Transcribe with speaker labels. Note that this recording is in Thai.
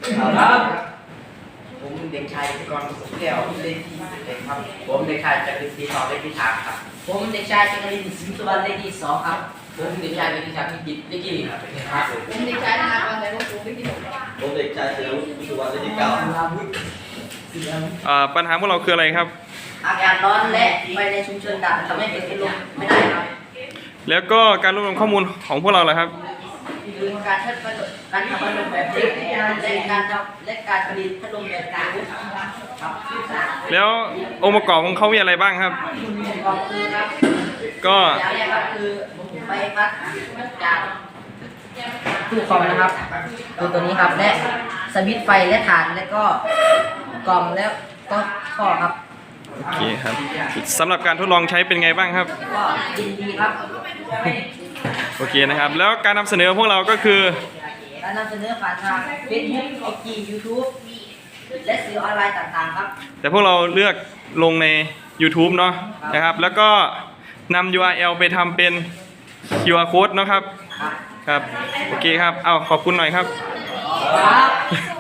Speaker 1: ครับผมเด็กชายกรสุขแก้วเลขที่11ครับผมเด็กชายจักรินทร์ศรีทองเลขที่3ครับผมเด็กชายจักรินทร์สิงห์สุวรรณเลขที่2ครับผมเด็กชายกิติศักดิ์พิจิตรเลขที่1ครับ
Speaker 2: ผมเด็กชายธนากรแต่ว่าผมไม่กินหรอก
Speaker 3: ผมเด็กชายเสือวุฒิสุวรรณเลขที่9
Speaker 4: ปัญหาพวกเราคืออะไรครับ
Speaker 1: อากาศร้อนและไฟในชุมชนดับทำให้เกิดเป็นลมไม่ได้ครับ
Speaker 4: แล้วก็การรวบรวมข้อมูลของพวกเราล่ะครับ
Speaker 1: คือการทำพัดลมแบบเล็กและการผลิตพัดลมแบบกลางครับ
Speaker 4: แล้วองค์ประกอบของเขามีอะไรบ้างครับ
Speaker 1: ก็คือครับ
Speaker 4: ก็
Speaker 1: อย่างแรกครับคือใบพัดจากตู้คอมนะครับคือตัวนี้ครับและสวิตช์ไฟและฐานและก็กล่องแล้วก็ข้อครับ
Speaker 4: โอเคครับสำหรับการทดลองใช้เป็นไงบ้างครับ
Speaker 1: ก็ยินดีครับ
Speaker 4: โอเคนะครับ แล้วการนำเสนอพวกเราก็คือ
Speaker 1: การนำเสนอผ่านทาง Facebook IG YouTube และสื่อออนไลน์ต่างๆครับ
Speaker 4: แต่พวกเราเลือกลงใน YouTube เนาะนะครับ แล้วก็นำ URL ไปทำเป็น QR code เนาะครับ ครับ โอเคครับ เอาขอบคุณหน่อยครับ
Speaker 1: ครับ